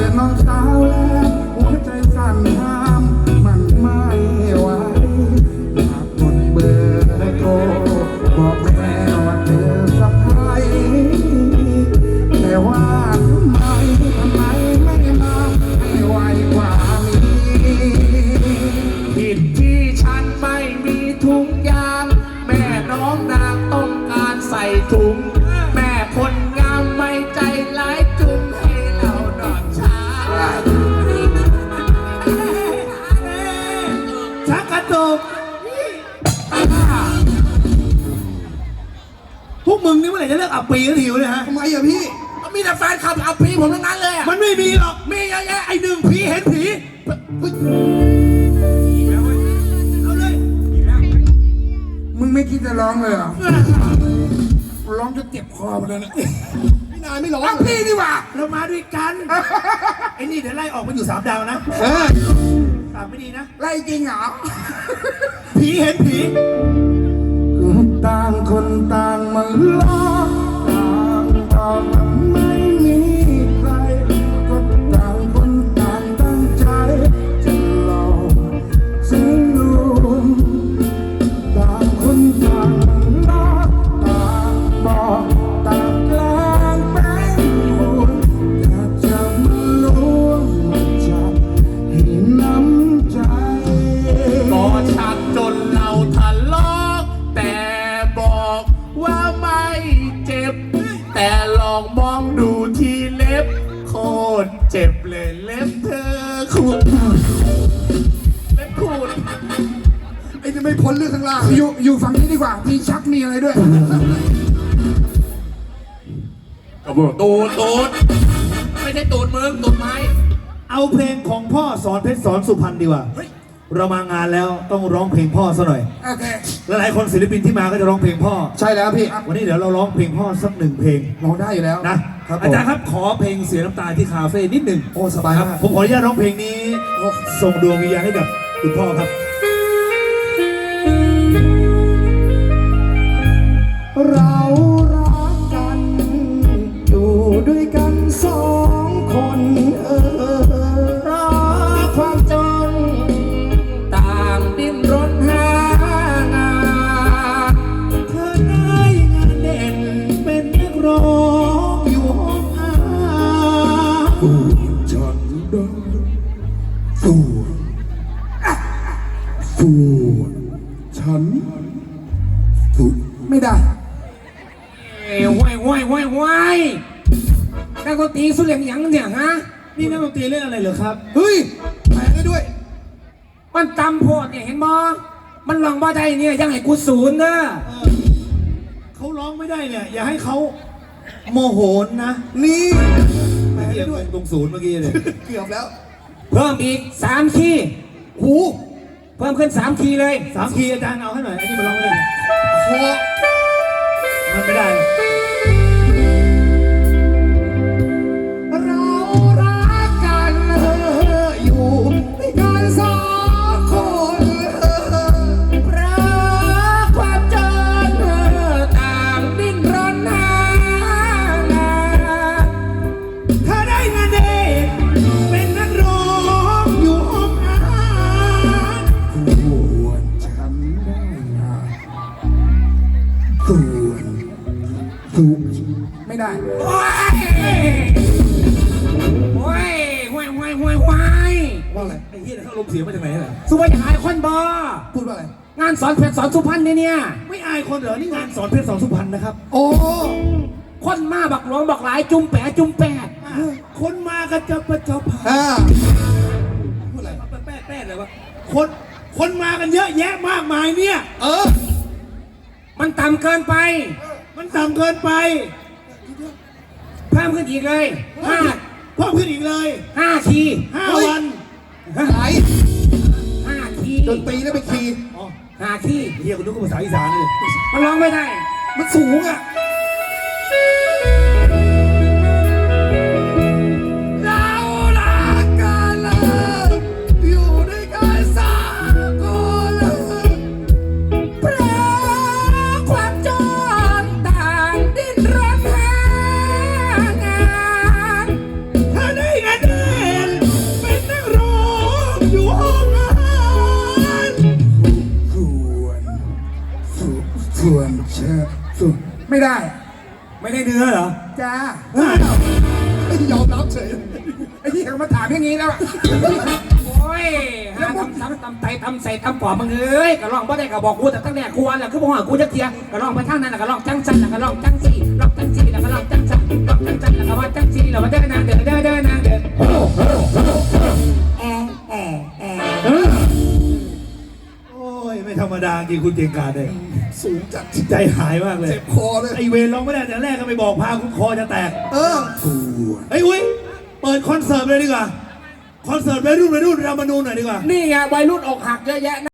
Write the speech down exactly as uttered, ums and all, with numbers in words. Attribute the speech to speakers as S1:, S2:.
S1: อน้องสาวแล้วหัวใจสั่นห้ามมันไม่ไหวอยากกดเบอร์โทรบอกแม่ว่าเธอสะพายแต่ว่าทำไมทำไมไม่มาให้ไวกว่านี้
S2: ผิดที่ฉันไม่มีถุงยางแม่น้องนางต้องการใส่ถุงแม่คนงามไม่ใจร้ายจุงให้เรานอนช้าชักกระตุกพวกมึงนี่เมื่อไหร่จะเลิกอับปีกันทีวะเนี่ยฮะ
S1: ทำไมอะพี่
S2: มีแต่แฟนคลับอับปีผมทั้งนั้นเลยอะมันไม่มีหรอกมีเยอะแยะไอ้หนึ่งผีเห็นผีเอาเลย
S1: มึงไม่คิดจะร้องเลยเหรอร้องจะเจ็บคอหมดเลยนะพี่นายไม่ร้องพี่นี่หว่า
S2: เรามาด้วยกันไอ้นี่เดี๋ยวไล่ออกมาอยู่สามดาวนะ
S1: เออ
S2: สามไม่ดีนะ
S1: ไล่จริงเหรอ
S2: ผีเห็นผี
S1: ต่างคนต่างมาล้อต่างบอกไม่มีใครก็ต่างคนต่างตั้งใจจะหลอกฉันรู้ต่างคนต่างล้อต่างบอกต่างกลางเป็นห่วงอยากจะมาล้วงจับให้น้ำใจ
S2: ก็ชักจนเราทะเลาะแต่บอกว่าไม่เจ็บแต่ลองมองดูที่เล็บโคตรเจ็บเลยเล็บเธอขูดเล็บขูด
S1: ไอ้จะไม่พ้นเรื่องข้างล่างอยู่อยู่ฝั่งนี้ดีกว่ามีชักมีอะไรด้วย
S2: กระบอกตูดตูดไม่ใช่ตูดมึงตูดไม้
S3: เอาเพลงของพ่อสอนเพชรสอนสุพรรณดีกว่าเรามางานแล้วต้องร้องเพลงพ่อซะหน่อย
S1: โอเค
S3: หลายๆคนศิลปินที่มาก็จะร้องเพลงพ่อ
S1: ใช่แล้วพี่
S3: วันนี้เดี๋ยวเราร้องเพลงพ่อสักหนึ่งเพลง
S1: ร้องได้อยู่แล้ว
S3: นะอาจารย์ครับขอเพลงเสียน้ำตาที่คาเฟ่นิดหนึ่ง
S1: โอ้สบาย
S3: ครับผมขออนุญาตร้องเพลงนี้ส่งดวงวิญญาณให้กับคุณพ่อครับ
S1: เรารักกันอยู่ด้วยกันสองคนเออ
S2: รักความจนต่างดิ้นรนหางานเธอได้งานเด่นเป็นนักร้องอยู่ห้องอา
S1: สู้ฉันได้สู้สู้ฉันสู้ไม่ได้
S2: ห้วยห้วยห้วยห้วยนักดนตรีสุดเหลี่ยมยังเนี่ยฮะ
S3: นี่นักดนตรีเล่นอะไรเหรอครับ
S1: เฮ้ยแปลได้ด้วย
S2: มันตำโพดเนี่ยเห็นบ่มันลองบ่ได้เนี่ยยังให้กูศูนย์นะ
S3: เขาร้องไม่ได้เนี่ยอย่าให้เขาโมโหนนะ
S1: นี่
S3: แปลได้ด้วยตรงศูนย์เมื่อกี้เลย
S1: เกือบแล้ว
S2: เพิ่มอีกสามคีย์หูเพิ่มขึ้นสามคีย์เลย
S3: สามคีย์อาจารย์เอาให้หน่อยอันนี้มาร้องเลย
S1: คอ
S3: มันไม่ได้
S1: เรารักกันอยู่ด้วยกันสองคน
S2: รักความจนต่างดิ้นรนหางาน
S3: เธอได้งานเด็กเป็นนักร้องอยู่ห้องอาหาร
S1: ส่วนฉันได้งานส่วนสุไม่ได้
S2: โอ้ยโอ้ยห้วยห้วยห้วยห้วย
S1: ว่าอะไร
S3: ไอ้เหี้ยเขาลมเสียมาจากไหนล่ะ
S2: สุวรรณอายคนบ่
S1: พูดว่าอะไร
S2: งานสอนเพชรสอนสุพรรณเนี่ยเนี่ย
S3: ไม่อายคนเหรอนี่งานสอนเพชรสอนสุพรรณนะครับ
S1: โอ้
S2: คนมาบักหลวงบักหลายจุ่มแปะจุ่มแปะ
S3: คนมากันจะประจบ
S1: อ่า
S3: พูดอะไรแป๊ะแป๊ะเลยวะคนคนมากันเยอะแยะมากมายเนี่ย
S1: เออ
S2: มันต่ำเกินไป
S3: มันต่ำเกินไป
S2: เพิ่มขึ้นอีกเลยห้า
S3: เพิ่มขึ้นอีกเลย
S2: ห้าที
S3: ห้าวัน
S1: ไหน
S2: ห้าที
S1: ดนตรีแล้วไปคีย์
S2: ห้าที
S3: เฮียคุณนึกว่าภาษาอีสานเลย
S2: มันร้องไม่ได้มันสูงอ่ะ
S1: ไม่ได้
S3: ไม่ได้เนื้อเหรอ
S1: จ้า
S3: อ้าว
S1: ยอมรับเฉยไอ้ที่เขามาถามอย่างนี้แล้วอะ
S4: โอ้ยหาทำซ้ำทำไตทำใส่ทำปอบมึงเอ้ยก็ลองบ่ได้ก็บอกกูแต่ตั้งแต่กูอันแหละคือบ่ว่ากูจะเทียก็ลองไปทางนั้นแล้วก็ลองจังสันแล้วก็ลองจังสี่ลองจังสี่แล้วก็ลองจังสันลองจังสันแล้วก็ว่าจังสี่แล้วมาเดินนางเดินเดินเดินนางเดินแอะแอะแอะ
S3: โอ้ยไม่ธรรมดาจริงคุณเก่งกาจเลย
S1: สูงจัด
S3: ใจหายมากเลย
S1: เจ็บคอเลย
S3: ไอเวรร้องไม่ได้แต่แรกก็ไปบอกพาคุณคอจะแตก
S1: เออ
S3: เฮ้ยอุ้ยเปิดคอนเสิร์ตเลยดีกว่าคอนเสิร์ตวัยรุ่นวัยรุ่นเรามาดูหน่อยดีกว่า
S4: นี่ไงวัยรุ่นอกหักเยอะแยะ